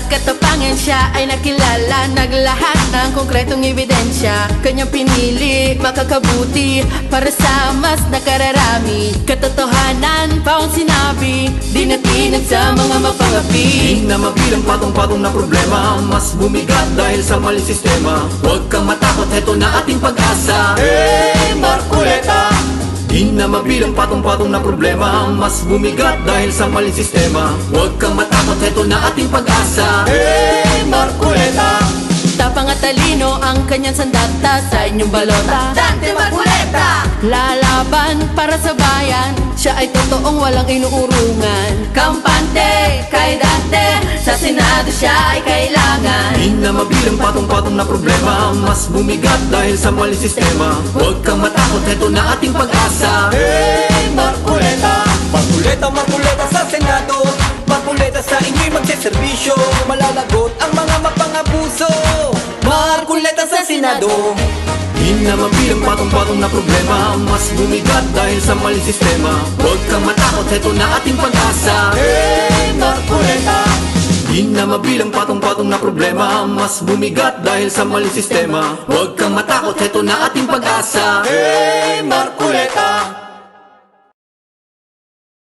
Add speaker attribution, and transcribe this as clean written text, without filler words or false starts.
Speaker 1: katapangan siya ay nakilala, naglahat ng konkretong ebidensya. Kanyang pinili, makakabuti para sa mas nakararami. Katotohanan pa ang sinabi, di natinag sa mga mapangapi.
Speaker 2: Di na mabilang patong-patong na problema, mas bumigat dahil sa maling sistema. Huwag kang matakot, heto na ating pag-asa. Hey, Marcoleta! Di na mabilang patong-patong na problema, mas bumigat dahil sa maling sistema. Huwag kang matakot, heto na ating pag-asa. Hey, Marcoleta!
Speaker 1: Tapang at talino ang kanyang sandata sa inyong balota.
Speaker 3: Dante Marcoleta!
Speaker 1: Lalaban para sa bayan, siya ay totoong walang inuurungan. Kampante kay Dante, sa Senado siya ay kailangan.
Speaker 2: Di na mabilang patong-patong na problema, mas bumigat dahil sa maling sistema. Huwag kang matakot, heto na ating pag-asa. Hey, Marcoleta!
Speaker 4: Marcoleta, Marcoleta sa Senado, Marcoleta sa inyo'y magseserbisyo. Malalagot ang mga mapangabuso. Marcoleta sa Senado.
Speaker 2: Di na mabilang patong-patong na problema, mas bumigat dahil sa maling sistema. Huwag kang matakot, heto na ating pag-asa. Hey, Marcoleta! Di na mabilang patong-patong na problema, mas bumigat dahil sa maling sistema. Huwag kang matakot, heto na ating pag-asa. Hey, Marcoleta!